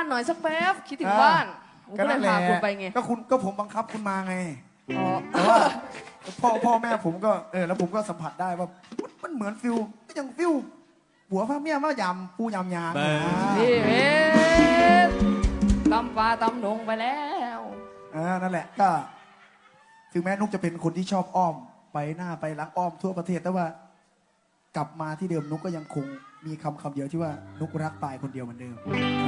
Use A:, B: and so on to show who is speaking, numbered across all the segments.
A: านหน่อยสักแป๊บคิดถึงบ้านผมก็เลยพาคุณไปไง
B: ก็ผมบังคับคุณมาไง
A: อ๋อ
B: แต่ว่าพ่อแม่ผมก็แล้วผมก็สัมผัสได้ว่ามันเหมือนฟิลก็ยังฟิลหัวพระเมียมายำปูยำยาง
A: นี่เว้ยตำปลาตำหนงไปแล้ว
B: นั่นแหละก็ถึงแม้นุกจะเป็นคนที่ชอบอ้อมไปหน้าไปหลังอ้อมทั่วประเทศแต่ว่ากลับมาที่เดิมนุกก็ยังคงมีคำเดียวที่ว่านุกรักปายคนเดียวเหมือนเดิม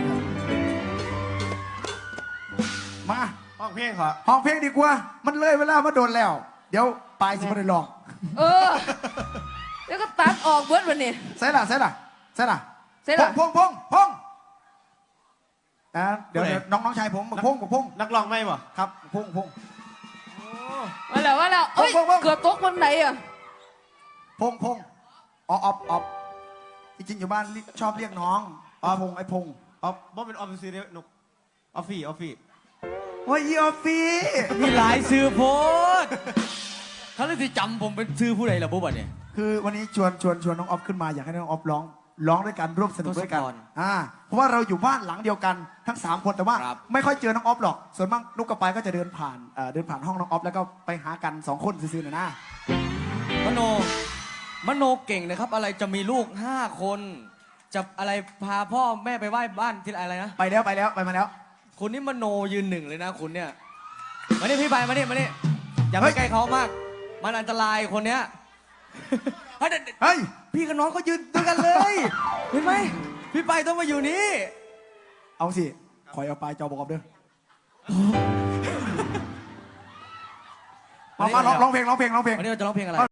B: มา
C: ห้องเพลงขอ
B: ห้องเพลงดีกว่ามันเลยเวลามาโดนแล้วเดี๋ยวปายสิมาได้ลอง
A: แล้วก็ตัดออกเบิร์ดวันนี้
B: ใส่ละพงเดี๋ยวน้องชายผมพง
C: นักร้องไม่บ่
B: ครับพง
A: ว่าแล้วเอ้ยเกือบตกวันไหนอ่ะ
B: พงออฟจริงๆอยู่บ้านชอบเรียกน้องไอ้พง
C: บ่เป็นออฟฟิศเดียวนุกออฟฟี่
B: โอ้ยออฟฟี่
D: มีหลายซื้อโพสเขาเลยที่จำผมเป็นซื้อผู้ใดล่ะบุ๊บเนี่ย
B: คือวันนี้ชวนน้องออฟขึ้นมาอยากให้น้องออฟร้องด้วยกันร่วมสนุกด้วยกันเพราะว่าเราอยู่บ้านหลังเดียวกันทั้ง3คนแต่ว่าไม่ค่อยเจอน้องออฟหรอกส่วนมากนุกกับปายก็จะเดินผ่านห้องน้องออฟแล้วก็ไปหากัน2คนซื่อๆนะ
D: มโนเก่งนะครับอะไรจะมีลูก5 คนจะอะไรพาพ่อแม่ไปไหว้บ้านที่อะไรนะ
B: ไปมาแล้ว
D: คุณนี่มโนยืน1เลยนะคุณเนี่ยมานี่พี่ไปมานี่อย่าไปใกล้เขามากมันอันตรายคนเนี้ยเฮ้ยพี่กับน้องก็ยืนด้วยกันเลยเห็นไหมพี่ไปต้องมาอยู่นี่
B: เอาสิคอยเอาปลายจอบอกเด้อมาร้องเพลง
D: วันนี้เราจะร้องเพลงอะไร